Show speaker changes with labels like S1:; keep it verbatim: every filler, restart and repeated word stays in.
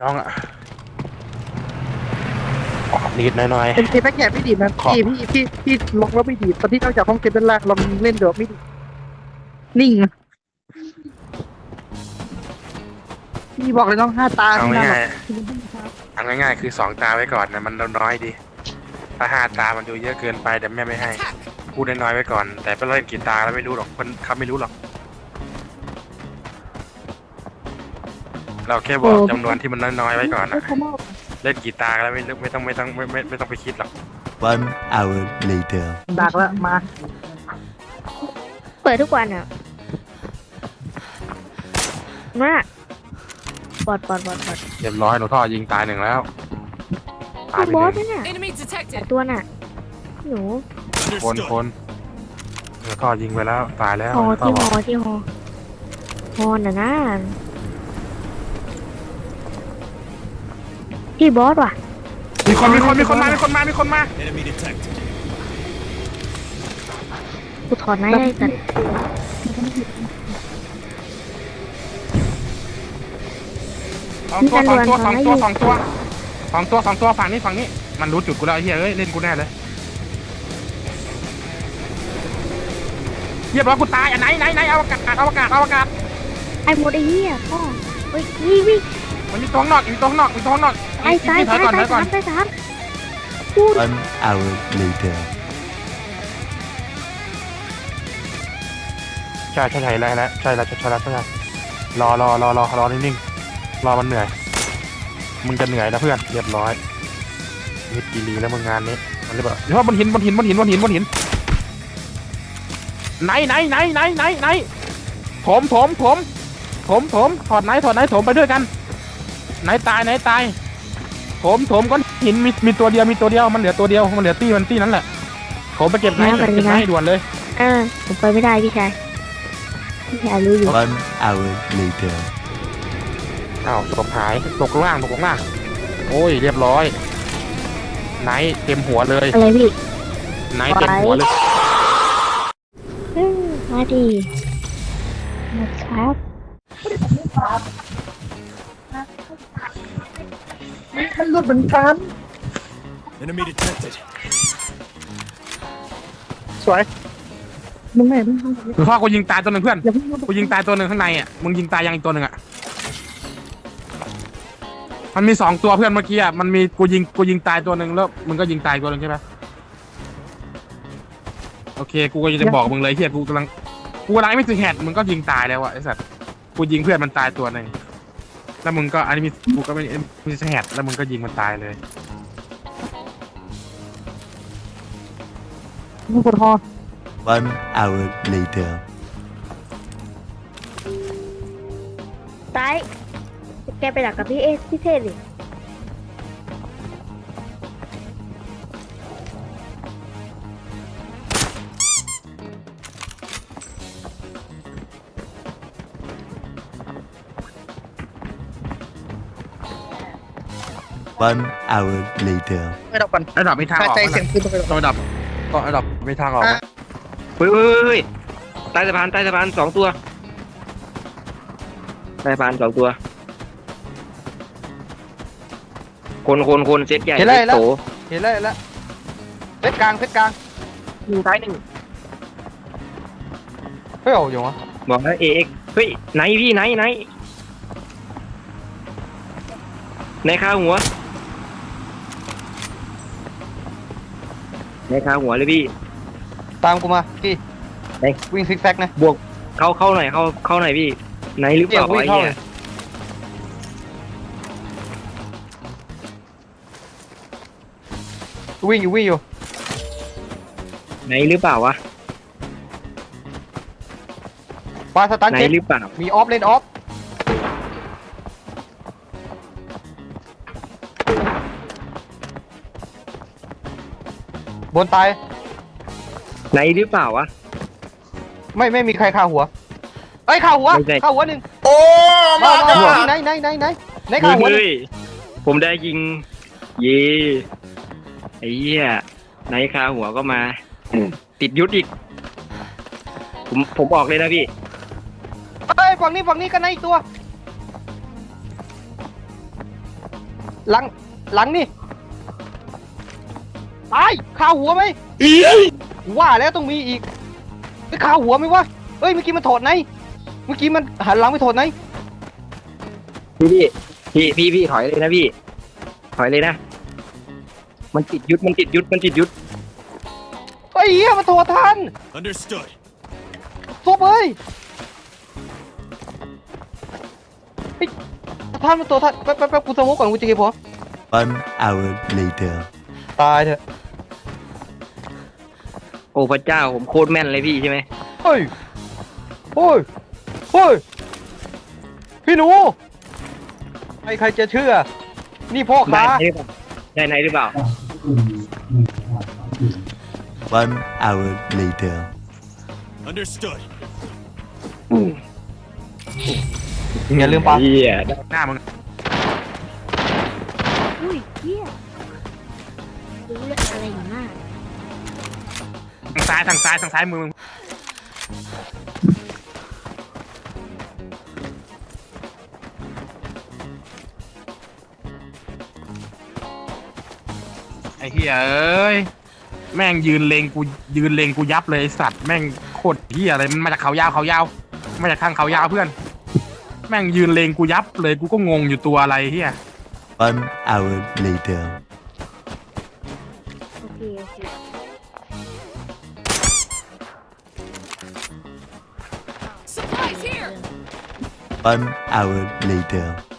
S1: น้องอะดีดหน่อย
S2: เป็นเคแบ็กแกไม่ดีนะพี่พี่พี่พี่ล็อกแล้วไม่ดีตอนที่นอกจากห้องเก็บเป็นล่างลองเล่นเดี๋ยวไม่ดีนิ่งพี่บอกเลยน้องห้าตา
S1: ๆเอา
S2: พี่นะ
S1: ง่ายๆเอาง่ายๆคือสองตาไว้ก่อนนะมันน้อยดีถ้าห้าตามันดูเยอะเกินไปเดี๋ยวแม่ไม่ให้พูดน้อยๆไว้ก่อนแต่ไปเล่นกี่ตาแล้วไม่รู้หรอกคนเขาไม่รู้หรอกเราแค่บอกจำนวนที่มันน้อยๆไว้ก่อนนะเล่นกี่ตาแล้วไม่ไม่ต้องไม่ต้องไม่ไม่ไม่ต้องไปคิดหรอก
S3: One hour later
S2: ดักแล้วมา
S4: เปิดทุกวันอ่ะมาบอดบอดบอดบอด
S1: เรียบร้อยหนูท่อยิงตายหนึ่งแล้วตายไป
S4: บอส
S1: หนึ่ง
S4: นั่นน่ะ
S5: Enemy
S4: แต่
S5: detected.
S4: ตัวน่ะหนู
S1: คนคนหนูท่อยิงไปแล้วตายแล้ว
S4: ฮอ
S1: หนูท่อ
S4: ที่
S1: บ
S4: ฮ
S1: อก
S4: อที่ฮอฮอน่ะนะที่บอสว่ะ
S1: มีคนมีคนมีคนมามีคนมามีคนมา
S3: Enemy detected
S4: กูถอดไม้ได้กัน
S1: สองตัวสองตัวสองตัวสองตัวสองตัวสองตัวฝั่งนี้ฝั่งนี้มันรู้จุดกูแล้วไอ้เหี้ยเอ้ยเล่นกูแน่เลยเรียบร้อยกูตายอ่ะไหนไหนไหนอวกาศอวกาศอวกาศ
S4: ไอ้หมดไอ้เหี้ยพ่อเฮ้ยวิ่งวิ่ง
S1: มันมีตัวข้างนอกมีตัวข้างนอกมีตัวข้างนอก
S4: ไอ้ตาย
S1: ถอ
S4: ตาย ย
S1: ก่อน
S4: ตา
S1: ถอย ยก่อ
S4: สาน มตายสามพูด
S3: One hour later
S1: ใช่ใช่ใช่แล้วแล้วใช่แล้วใช่แล้วใช่แล้วรอรอรอรอรอนิ่งๆรอมันเหนื่อยมึงจะเหนื่อยนะเพื่อนเรียบร้อยมิดกีรีแล้วมึงงานนี้มันเลยแบบเดี๋ยวบนหินบนหินบนหินบนหินบนหินไหนไหนไหนไหนไหนไหนถมถมถมถมถมถอดไหนถอดไหนถมไปด้วยกันไหนตายไหนตายถมถมก้อนหินมีมีตัวเดียวมีตัวเดียวมันเหลือตัวเดียวมันเหลือตี้มันตี้นั้นแหละถมไปเก็บไหนเก็บไหนด่วนเลย
S4: อ่าผมไปไม่ได้พี่ชายพี่ชายรู้อยู่
S3: One hour later
S1: อ้าวตกหายตกล่างตกล่างโอ้ยเรียบร้อยไหนเต็มหัวเลย
S4: อะไรพี่
S1: ไหนเต็มหัวเลย
S4: เฮ้ยมาดีมาครับ
S2: มันรุดเหมือนกัน
S3: Enemy detected
S2: สวยมึงแม่มึง
S1: หรือพ่อกูยิงตายตัวหนึ่งเพื่อน
S2: อย่าเพิ่ง
S1: กูยิงตายตัวหนึ่งข้างในอ่ะมึงยิงตายยังอีกตัวหนึ่งอ่ะมันมีสองตัวเพื่อนเมื่อกี้อ่ะมันมีกูยิงกูยิงตายตัวหนึ่งแล้วมึงก็ยิงตายตัวหนึ่งใช่ไหมโอเคกูก็จะบอกมึงเลยเฮียกูกำลังกูกำลังไม่ถึงแฮดมึงก็ยิงตายแล้วอ่ะไอ้สัตว์กูยิงเพื่อนมันตายตัวหนึ่งแล้วมึงก็อันนี้มีกูก็ไม่มีแฮดแล้วมึงก็ยิงมันตายเลย
S2: มึงกดฮอ
S3: One hour later
S4: ซ้ายแกไปดักกับพี่เอสพี่เทศดิ
S3: One hour later
S2: ไม่ดับก่อน
S1: ไอ้ดอกมีทางออก
S2: ใจ
S1: ไหม
S2: เสียงปืนต้องไป
S1: ต้องไอ้ดอกก็ไอ้ดอกมีทางออกไหม
S6: เฮ้ยเฮ้ยเฮ้ยใต้สะพานใต้สะพานสองตัวใต้สะพานสองตัว คนคนคนเซตใหญ่
S2: เห็นแล้ว
S6: เซตโต
S2: เห็นแล้วเห็นแล้วเพชรกลางเพชรกลาง
S6: หนึ่งท้ายหนึ่ง
S2: เฮ้ยโอ้ยงวะ
S6: บอกแล้วเอ็กเฮ้ยไหนพี่ไหนไหนในข้าหัวในข้าหัวเลยพี่
S2: ตามกูมาพี่
S6: ไหน
S2: วิ่งซิกแซกนะ
S6: บวกเข้าเข้าหน่อยเข้าเข้าหน่อยพี่ไหนหรือเปล่า
S2: วิ่ง
S6: ไอ้
S2: เข้า
S6: เนี่
S2: เลย ยวิ่งอยู่วิ่งอยู่
S6: ไหนหรือเปล่าวะ
S2: ปาสตัน
S6: ไหน
S2: เช็ค
S6: หรือเปล่า
S2: มีออฟเลนออฟบนตาย
S6: ไหนหรือเปล่าวะ
S2: ไม่ไม่มีใครฆ่าหัวเอ้ยฆ่าหัว
S6: ไม่ใช่
S2: ฆ่าหัวหนึ่ง
S1: โอ้
S2: มา
S1: มา
S2: มามาไหนไหนไหนไหนไหนฆ่าหัวหนึ่ง
S6: เฮ้ยผมได้ยิงเย่ไอ้เหี้ยไหนคาหัวก็มา ติดยุทธอีก ผมผมออกเลยนะพี่
S2: เอ้ยฝั่งนี้ฝั่งนี้ก็ไหนอีกตัวหลังหลังนี่ตายคาหัวไหมว่าแล้วต้องมีอีกไปคาหัวไหมวะเอ้ยเมื่อกี้มันถอดไหนเมื่อกี้มันหันหลังไปถอดไหน
S6: พี่พี่พี่พี่ถอยเลยนะพี่ ถอยเลยนะ มันติดยุดมันติดยุดมันติดยุด
S2: ไอ้เหี้ยมันถอดทัน
S3: Understood.
S2: ซบเอ้ยไอ้ท่านมันตัวท่านแป๊บแป๊บแป๊บกูสโมกก่อนกูจะเก็บหัว
S3: One hour later.
S2: ตายเถอะ
S6: โอ้พระเจ้าผมโคตรแม่นเลยพี่ใช่ไหม
S2: เฮ้ยโอ้ยเฮ้ยพี่หนูใครใครจะเชื่อ นี่พ่อ
S6: ได้
S2: ค้า
S6: ไหนหรือเปล่าได้ไหนหรือเปล่า
S3: One hour later.
S5: Understood.
S2: อย่าลืมปะ
S6: เหี้ย
S1: หน้ามึง
S4: อุ้ยเฮียรู้เรื่องอะไรอยู่มาก
S1: ทางซ้ายทางซ้ายทางซ้ายมือมึงไอ้เหี้ยเอ้ยแม่งยืนเลงกูยืนเลงกูยับเลยไอ้สัตว์แม่งโคตรเหี้ยอะไรมันมาจากเขายาวเขายาวมาจากทางเขายาวเพื่อน แม่งยืนเลงกูยับเลยกูก็งงอยู่ตัวอะไรเหี้ย
S3: One hour later.
S4: โอเคโอเค
S3: One hour later.